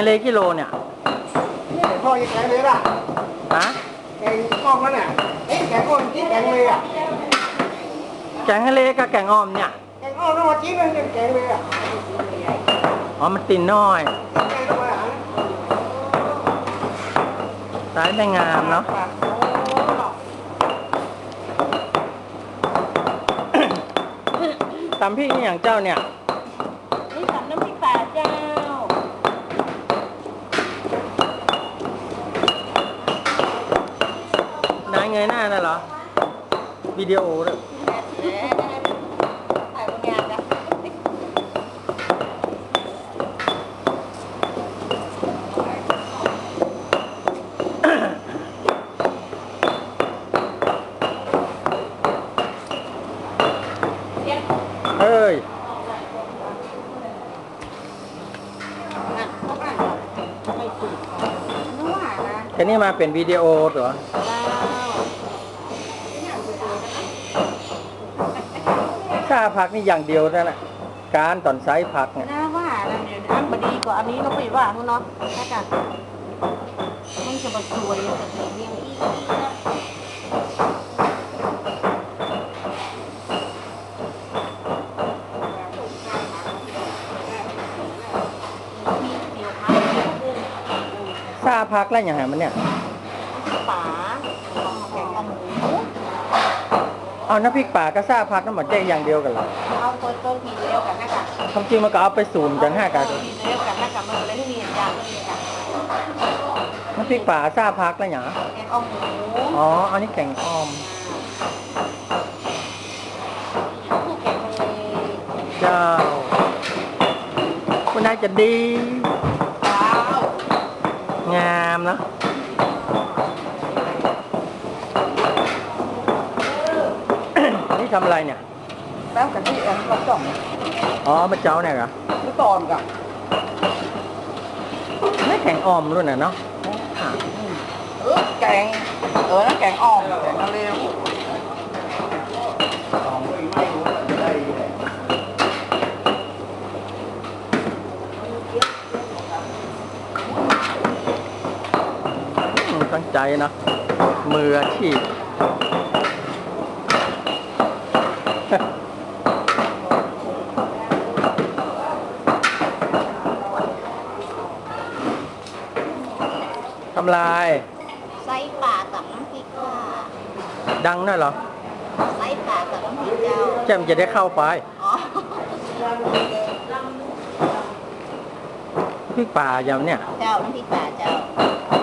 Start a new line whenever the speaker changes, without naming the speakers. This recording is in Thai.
เลกิโลเนี่ย
นี่พ่อยังแกงเลยล่ะ
ฮะ
แกงกล้องแล้วเนี่ยแกงก้นที่แกงเลยอ่ะ
แกงทะเลกับแกงอ่อมเนี่ย
แกงอ้อมต้องมาจิ้มเลยแกงเลยอ่ะ
อ๋อมันตินน้อย
แกงต้องมาหา
สายไม่งามเนาะตำพริกนี่อย่างเจ้าเนี่ย
นี่ตำน้ำพริกป่าเจ้า
นายเงยหน้าน่ะเหรอวิดีโอด้วย
ถ่ายบางอย่างนะ
เอ้ยแค่นี้มาเป็นวิดีโอเหรอค่าผักนี่อย่างเดียวนั่นแหละการตอนไซส์ผักเนี่ย
น่าว่านะเดี๋ยวอันบดีกว่าอันนี้เราไปว่าทุนเนาะถ้ากันมันจะมาสวยแต่เสียงอี
ค่าผักแล้วอย่างไรมันเนี่ย
ป่าแกงอ่อมหมู
เอาน้ำพริกป่ากับซ่าผักน้ำหมันแจ้งอย่างเดียวกันเหรอ
เอาต้นทีเดียวกันนะกัน
ความจริงมันก็เอาไปสูมกันห้ากัน
ทีเดียวกันนะกันมันเลยที่มีอย่างนี้กัน
น้ำพริกป่าซ่าผักแล้วอย่าง
แกงอ่อมหมู
อ๋ออันนี้แกงอ่อม
คู่แกงทะเล
เจ้าคุณนายจะดีงามเนาะนี่ทำอะไรเนี่ย
แป๊บกันที่เราจ่อง
อ๋อมาเจ้าเนี่ยเหรอ
ไม่ตอนกับ
ไม่แข็งอ่อมรุ่นน่ะเนาะ
แกงนั่นแกงอ้อมแกงทะเล
ตั้งใจนะมืออาชีพทำลาย
ไส้ป่ากับน้ำพริกค่ะ
ดังน่ะเหรอ
ไส้ป่ากับน้ำพริกเจ้า
แจ่มจะได้เข้าไป
อ๋อ
พริกป่าอย่างเนี้ย
เจ้าน้ำพริกป่าเจ้า